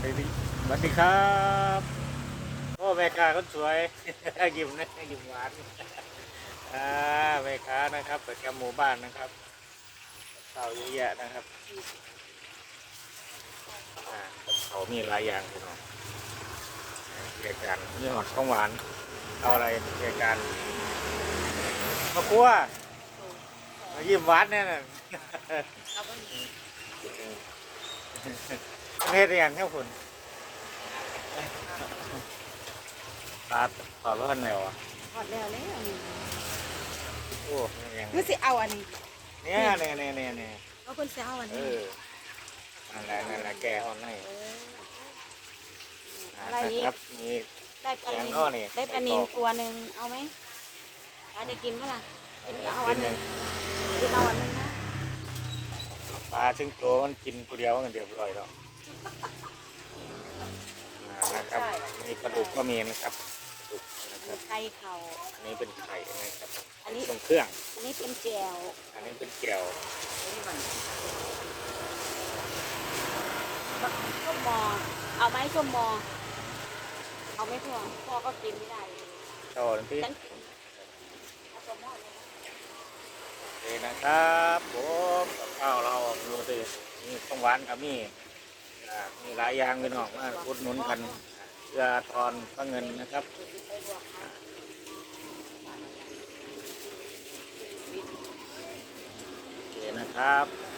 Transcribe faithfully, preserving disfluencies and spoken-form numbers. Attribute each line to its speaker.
Speaker 1: วัสดีสวัสดีครับโอ้แม่ค้าคนสวย ยิ้มนะยิ้มหวานอ่าแม่ค้านะครับประจำหมู่บ้านนะครับข้าวเยอะแยะนะครับอ่าเขามีหลายอย่างพี่น้องเรียกกันนี่หอดของหวานเอาอะไรเรียกกันมะกรัวมายิ้มหวานเนี่ยนะ เฮ็ดอหย่างครับคุณปลาตอดร้อนแล้วอ่ะ
Speaker 2: หอดแล้วแล้วนี่
Speaker 1: โอ้ยยัง
Speaker 2: คือสิเอาอันนี้
Speaker 1: เนี่ยเนี่ยเนี่ยเนี่ยเนี่ย
Speaker 2: เอาเพิ่นสิเอาอัน
Speaker 1: เอ
Speaker 2: นี้
Speaker 1: อนั่นแหละนั่นแหละแกอ่อนให้
Speaker 2: เออ
Speaker 1: อ่า
Speaker 2: อะไรอีก
Speaker 1: ครับมี
Speaker 2: ได้ปลา
Speaker 1: แกง
Speaker 2: นิล
Speaker 1: อ้อนี่
Speaker 2: ได้ปลานิลตัวหนึ่งเอาไหมปลาจะกินเมื่อไหร่กินเอาอันหนึ่งกินเอาอันหนึ่งนะ
Speaker 1: ปลาซึ่งตัวมันกินตัวเดียวมันเดียวอร่อยแล้วอ่านะครับมีปลาดุกก็มีนะครับปลาดุกนะครับ
Speaker 2: ไข่เข่า
Speaker 1: อันนี้เป็นไข่นะครับ
Speaker 2: อันนี้
Speaker 1: ตรงเครื่อง
Speaker 2: อันนี้เป็นแจว
Speaker 1: อันนี้เป็นแก้ว
Speaker 2: ส้มมอเอาไหมส้มมอเอาไหมพ่อพ่อก็กินไม่ได้
Speaker 1: ต่อที่
Speaker 2: ฉันกินเอาส้มมอเลยนะ
Speaker 1: โอเคนะครับผมกับข้าวเราดูสิมีของหวานกับมีอ่ามีหลายอย่างพี่น้องมาอุดหนุนกันเพื่อทอนพระเงินนะครับ
Speaker 2: ไปลวกค่ะ
Speaker 1: โอเคนะครับ